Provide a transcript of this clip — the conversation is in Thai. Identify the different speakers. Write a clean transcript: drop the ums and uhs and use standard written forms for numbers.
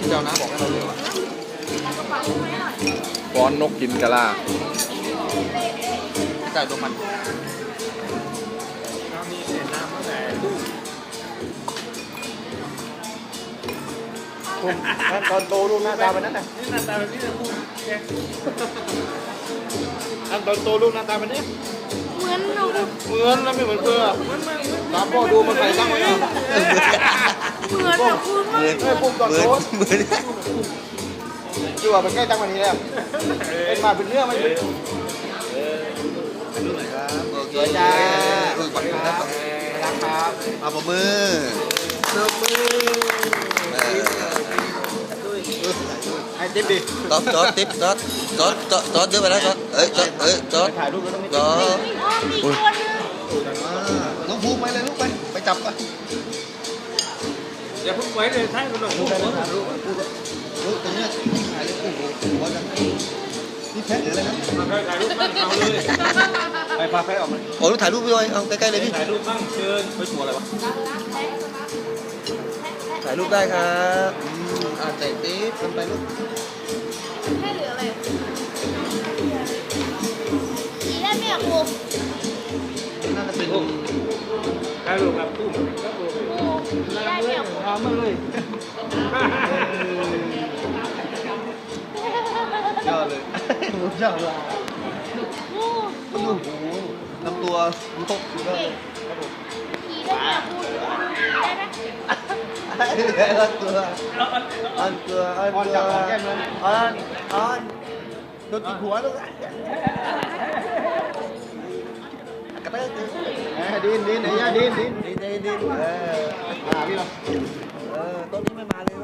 Speaker 1: ที่เรานะบอกให้เราเร็วอะฟ้อนนกกินกะลาจ่ายตัวมันตอนโตลูกหน้าตาเป็นนั่นน่ะนี่หน้าตาเป็นนี่นะคุณอันตอนโตลูกหน้าตาเป็นนี่เหมือนเราเหมือนแล้วไม่เหมือนเพื่อตามพ่อดูมันใส่ตั้งไว้เหมือนคุณไม่ปุ่มตอนโตเหมือนดูว่าเป็นใกล้ตั้งวันนี้แล้วเป็นมาเป็นเนื้อไม่เป็นดูหน่อยครับโอเคจ้าขอบคุณครับครับเอาปมือไอ้ติ๊บดิจอดติ๊บจอดเยอะไปแล้วจอดจอดถ่ายรูปแล้วต้องจอดน้องภูมิไปเลยลูกไปจับไปอย่าพุ่งไว้เลยใช่มันหลงลูกตรงนี้ถ่ายเลยโอ้โหเขาจะนี่แพะหรืออะไรนะถ่ายรูปบ้างเอาเลยไปพาแพะออกมาโอ้ลูกถ่ายรูปไปเลยเอาใกล้ๆเลยพี่ถ่ายรูปบ้างเชิญไปชัวร์อะไรวะถ่ายรูปได้ครับใส่ติ๊บทำไปลูก
Speaker 2: แค่เหลืออะไรสีได้ไหมอ่ะครู
Speaker 1: น่าจะเป็น
Speaker 3: ถ่ายรูปครับตุ้ม
Speaker 2: สีได้ไหมอ่ะครู
Speaker 1: ทำมาเลยยอดเลยยอดเลยโอ้โหลำตัวมันตกอยู่แล้ว
Speaker 2: สีได้ไหมอ่ะครูได้ไหม
Speaker 1: อันตัวโดนจิกหัวลูกกระเตอะดินไอ้ย่าดินพี่เราต้นนี้ไม่มาเลย